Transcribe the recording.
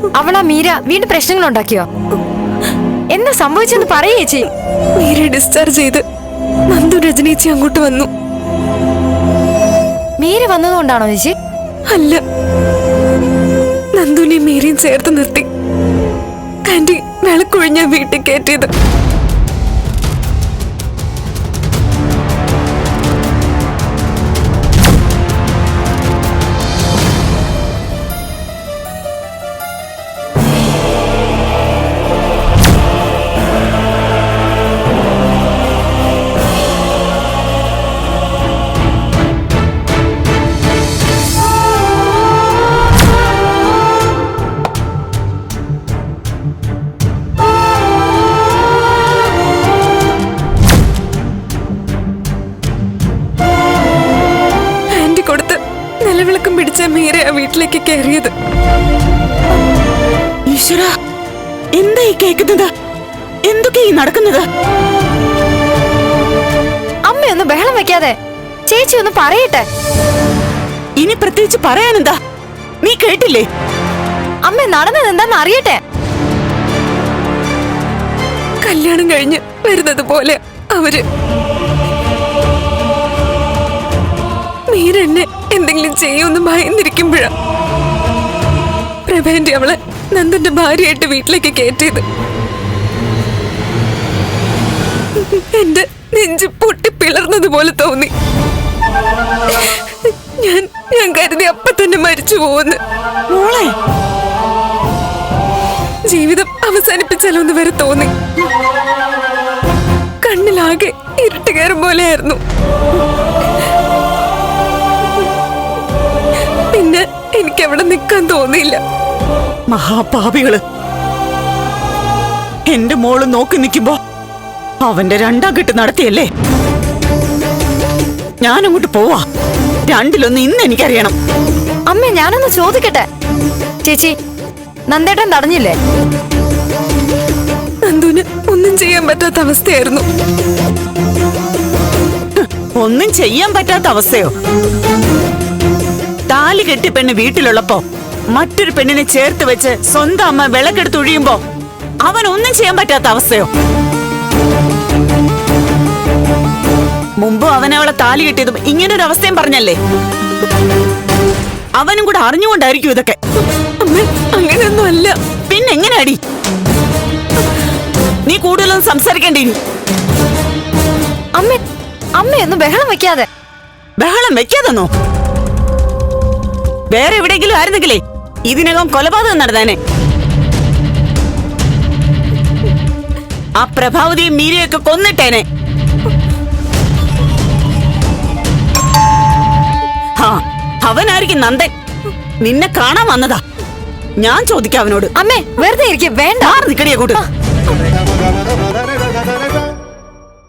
അവളാ മീര വീണ്ടും പ്രശ്നങ്ങൾ ഉണ്ടാക്കിയോ? എന്താ സംഭവിച്ചെന്ന് പറയേ ചേച്ചി. മീര ഡിസ്ചാർജ് ചെയ്ത് നന്ദു രജനീച്ചി അങ്ങോട്ട് വന്നു. മീര വന്നതുകൊണ്ടാണോ ചേച്ചി? അല്ല, നന്ദുനെയും മീരയും ചേർത്ത് നിർത്തി ആന്റി വിളക്കൊഴിഞ്ഞ വീട്ടിൽ കയറ്റിയത്. നിലവിളക്കം പിടിച്ച മീര ആ വീട്ടിലേക്ക് കയറിയത്. ഈശ്വര, എന്താ ഈ കേൾക്കുന്നത്? എന്തൊക്കെ ഈ നടക്കുന്നത്? അമ്മയൊന്ന് ബഹളം വെക്കാതെ ചേച്ചി ഒന്ന് പറയട്ടെ. ഇനി പ്രത്യേകിച്ച് പറയാനെന്താ? നീ കേട്ടില്ലേ? അമ്മ നടന്നത് എന്താന്ന് അറിയട്ടെ. കല്യാണം കഴിഞ്ഞ് വരുന്നത് പോലെ അവര് മീര എന്നെ എന്തെങ്കിലും ചെയ്യുമെന്ന് ഭയന്നിരിക്കുമ്പോഴാ പ്രഭേന്റെ അവളെ നന്ദന്റെ ഭാര്യയായിട്ട് വീട്ടിലേക്ക് കയറ്റിയത്. എന്റെ നെഞ്ച് പൊട്ടി പിളർന്നതുപോലെ തോന്നി. ഞാൻ കരുതി അപ്പൊ തന്നെ മരിച്ചു പോകുന്നു. മോളെ, ജീവിതം അവസാനിപ്പിച്ചാലോ എന്ന് വരെ തോന്നി. കണ്ണിലാകെ ഇരുട്ട് കയറും പോലെയായിരുന്നു. പിന്നെ എനിക്ക് അവിടെ നിൽക്കാൻ തോന്നിയില്ല. മഹാപാപികള്, എന്റെ മോള് നോക്കി നിൽക്കുമ്പോ അവന്റെ രണ്ടാം കെട്ട് നടത്തിയല്ലേ? ഞാനങ്ങോട്ട് പോവാ. രണ്ടിലൊന്ന് ഇന്ന് എനിക്കറിയണം. അമ്മ ഞാനൊന്ന് ചോദിക്കട്ടെ. ചേച്ചി, നന്ദേട്ടൻ തടഞ്ഞില്ലേ? നന്ദുന് ഒന്നും ചെയ്യാൻ പറ്റാത്ത അവസ്ഥയായിരുന്നു. ഒന്നും ചെയ്യാൻ പറ്റാത്ത അവസ്ഥയോ? താലി കെട്ടി പെണ്ണ് വീട്ടിലുള്ളപ്പോ മറ്റൊരു പെണ്ണിനെ ചേർത്ത് വെച്ച് സ്വന്തം അമ്മ വിളക്കെടുത്തൊഴിയുമ്പോ അവൻ ഒന്നും ചെയ്യാൻ പറ്റാത്ത അവസ്ഥയോ? മുമ്പ് അവൻ അവളെ താലി കെട്ടിയതും ഇങ്ങനൊരു അവസ്ഥയും പറഞ്ഞല്ലേ? അവനും കൂടെ അറിഞ്ഞുകൊണ്ടായിരിക്കും ഇതൊക്കെ. അങ്ങനെയൊന്നും അല്ല. പിന്നെ എങ്ങനെയാടി? നീ കൂടുതലൊന്നും സംസാരിക്കേണ്ടി. അമ്മയൊന്ന് ബഹളം വെക്കാതെ. ബഹളം വെക്കാതെന്നോ? വേറെ എവിടെയെങ്കിലും ആയിരുന്നെങ്കിലേ ഇതിനകം കൊലപാതകം നടന്നേനെ. ആ പ്രഭാവതിയും മീരയൊക്കെ കൊന്നിട്ടേനെ. അവനായിരിക്കും നന്ദൻ. നിന്നെ കാണാൻ വന്നതാ. ഞാൻ ചോദിക്കാം അവനോട്. അമ്മേ വെറുതെ ഇരിക്കും, വേണ്ട. നിക്കടിയെ കൂട്ട്.